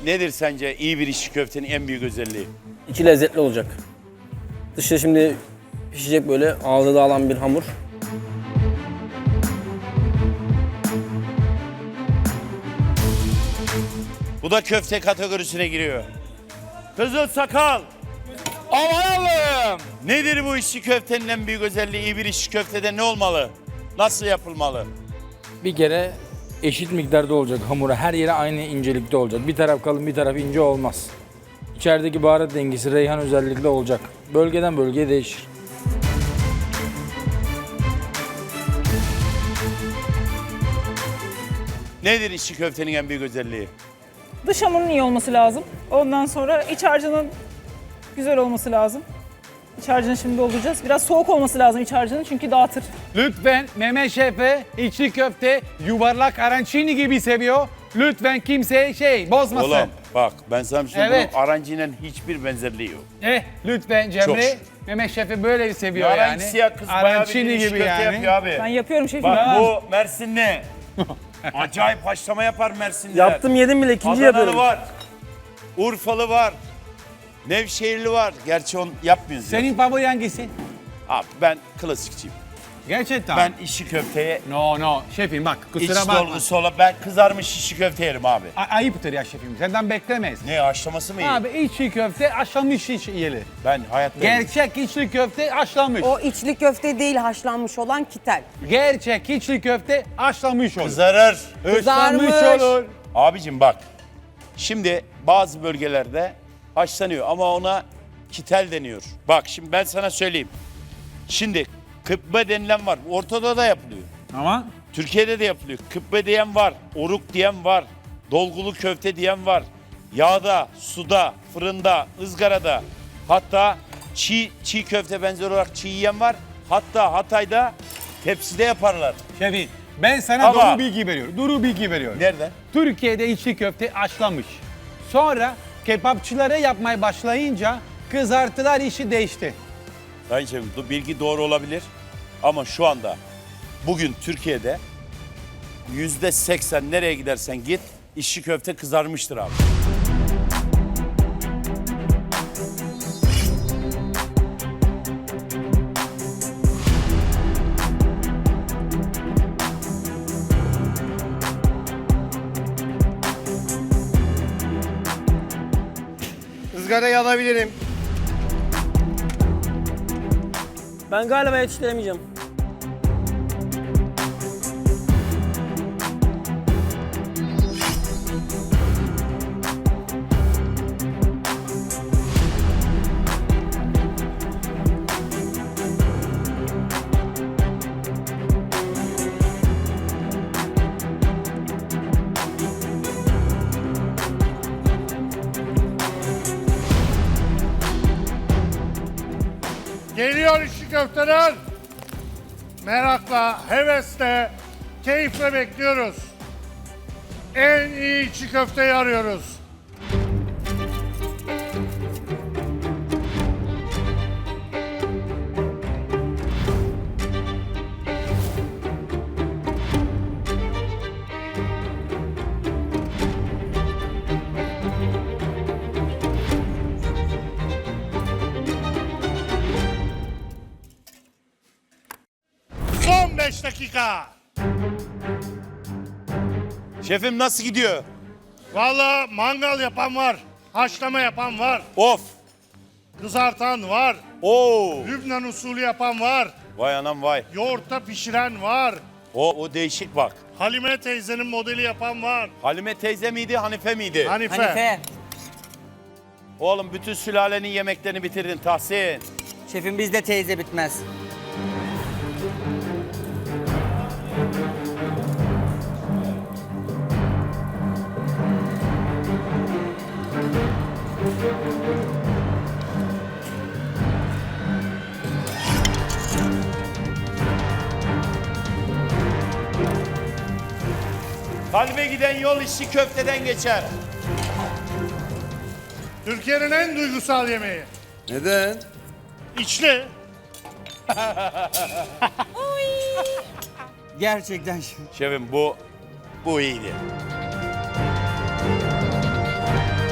nedir sence iyi bir içli köftenin en büyük özelliği? İçi lezzetli olacak. Dışı şimdi pişecek böyle ağza dağılan bir hamur. Bu da köfte kategorisine giriyor. Kızıl sakal. Aman Allah'ım. Nedir bu içli köftenin en büyük özelliği? İyi bir içli köftede ne olmalı? Nasıl yapılmalı? Bir kere eşit miktarda olacak hamura. Her yere aynı incelikte olacak. Bir taraf kalın bir taraf ince olmaz. İçerideki baharat dengesi reyhan özellikle olacak. Bölgeden bölgeye değişir. Nedir içli köftenin en büyük özelliği? Dış hamurun iyi olması lazım. Ondan sonra iç harcının güzel olması lazım. İç harcını şimdi dolduracağız. Biraz soğuk olması lazım iç harcının çünkü dağıtır. Lütfen Mehmet Şef'e içli köfte yuvarlak arancini gibi seviyor. Lütfen kimseye bozmasın. Oğlum bak ben sana bir şey söyleyeyim. Evet. Bunun arancıyla hiçbir benzerliği yok. Lütfen Cemre Çok. Mehmet Şef'i böyle seviyor Aranç yani. siyah kız bayağı bir Arancini içli gibi köfte yani. yapıyor abi. Ben yapıyorum şefim. Bak Ben- bu Mersinli. Acayip haşlama yapar Mersinliler. Yaptım yedim bile ikinci Adanalı yapıyorum. var. Urfalı var. Nevşehirli var. Gerçi onu yapmıyoruz. ya. Senin favori hangisi? Abi ben klasikçiyim. Gerçekten. Ben işi köfteye No şefim bak iç kusura bakma. dolgusu olan ben kızarmış işi köfte yerim abi. Ayıptır ya şefim senden beklemeyiz. Ne haşlaması mı iyi? Abi içli köfte haşlanmış yiyeli. Ben hayatta Gerçek içli köfte haşlanmış. O içli köfte değil haşlanmış olan kitel. Gerçek içli köfte haşlanmış olur. kızarır. Haşlanmış Kızarmış. olur. Abicim bak. Şimdi bazı bölgelerde haşlanıyor ama ona kitel deniyor. Bak şimdi ben sana söyleyeyim. Şimdi kıpbe denilen var. Ortada da yapılıyor. Ama Türkiye'de de yapılıyor. Kıpbe diyen var, oruk diyen var, dolgulu köfte diyen var. Yağda, suda, fırında, ızgarada, hatta çiğ köfte benzer olarak çiğ yiyen var. Hatta Hatay'da tepside yaparlar. şefim ben sana Ama- doğru bilgi veriyorum. Nerede? Türkiye'de içli köfte haşlanmış. Sonra kebapçılara yapmaya başlayınca kızartılar işi değişti. Sayın Şefim, bu bilgi doğru olabilir. Ama şu anda bugün Türkiye'de %80 nereye gidersen git içli köfte kızarmıştır abi. Izgarayı alabilirim. Ben galiba yetiştiremeyeceğim. Geliyor içli köfteler. Merakla, hevesle, keyifle bekliyoruz. En iyi içli köfteyi arıyoruz. Son 5 dakika. Şefim nasıl gidiyor? Vallahi mangal yapan var, haşlama yapan var, Of! kızartan var, Oo! Lübnan usulü yapan var, Vay anam vay. yoğurtta pişiren var, O değişik bak. Halime teyzenin modeli yapan var. Halime teyze miydi, Hanife miydi? Hanife. Oğlum bütün sülalenin yemeklerini bitirdin Tahsin. Şefim bizde teyze bitmez. Kalbe giden yol içli köfteden geçer. Türkiye'nin en duygusal yemeği. Neden? İçli. Gerçekten şefim. Şefim bu iyiydi.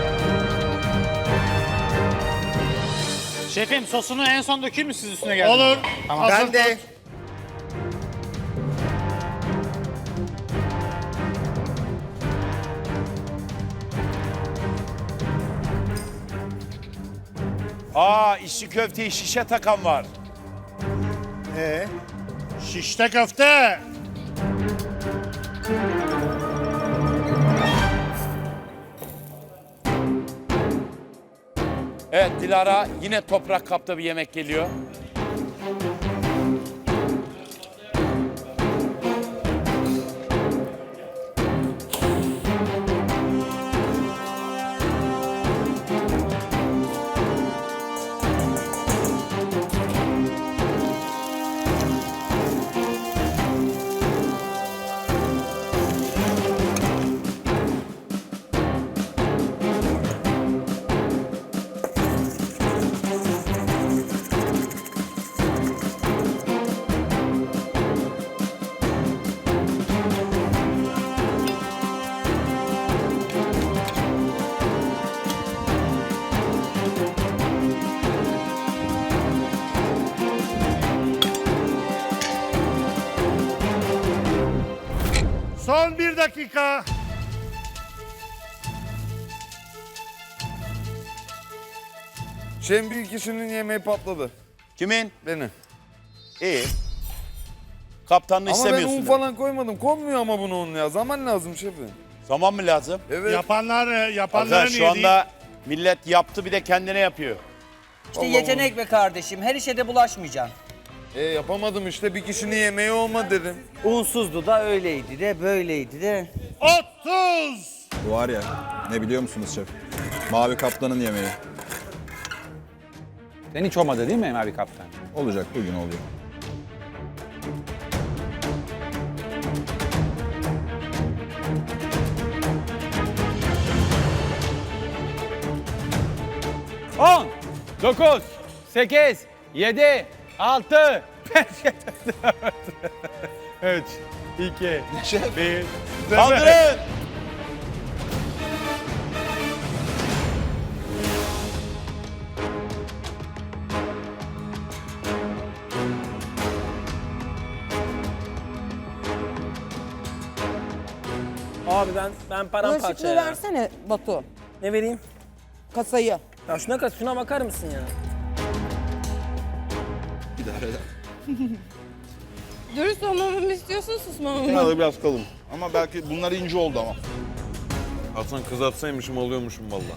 Şefim sosunu en son dökeyim mi siz üstüne geldi? Olur. Tamam. Hazır tut. Aa, içli köfteye şişe takan var. Şişte köfte. Evet, Dilara yine toprak kapta bir yemek geliyor. Son 1 dakika. Şefim bir kişinin yemeği patladı. Kimin? Benim. İyi. Kaptanını Ama ben istemiyorsun. un demek. falan koymadım. Konmuyor ama bunu un ya. Zaman lazım şefim. Zaman mı lazım? Evet. Yapanların Arkadaş şu niye değil? anda millet yaptı bir de kendine yapıyor. İşte yetenek be kardeşim. Her işe de bulaşmayacaksın. Yapamadım işte. Bir kişinin yemeği olmadı dedim. Unsuzdu da öyleydi de böyleydi de. 30. Bu var ya, ne biliyor musunuz şef? Mavi Kaplan'ın yemeği. Sen hiç olmadı değil mi Mavi Kaptan? Olacak, bugün oluyor. On, 9, 8, 7, 6, 5, 4, 3, 2, 1. Kaldırın! Abi ben paramparça Bulaşıklığı ya. versene Batu. Ne vereyim? Kasayı. Ya şuna bakar mısın ya? Dürüst olmamı mı istiyorsun, susmamı mı? Bunlar da biraz kalın. Ama belki bunlar ince oldu ama. Hasan kızartsaymışım alıyormuşum valla.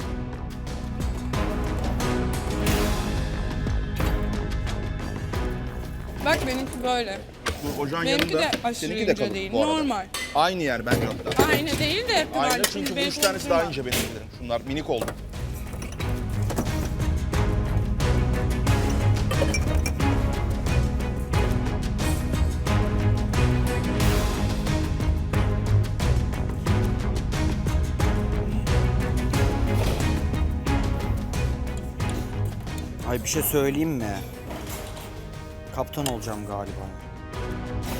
Bak benimki böyle. Bu ocağın Benimki yanında. de aşırı Seninki de ince kalın değil. bu arada. Normal. Aynı yer bence hatta. Aynı değil de. Aynı böyle çünkü bu beni 3 tanesi konuşturma. daha ince benimkilerin. Şunlar minik oldu. Ay bir şey söyleyeyim mi? Kaptan olacağım galiba.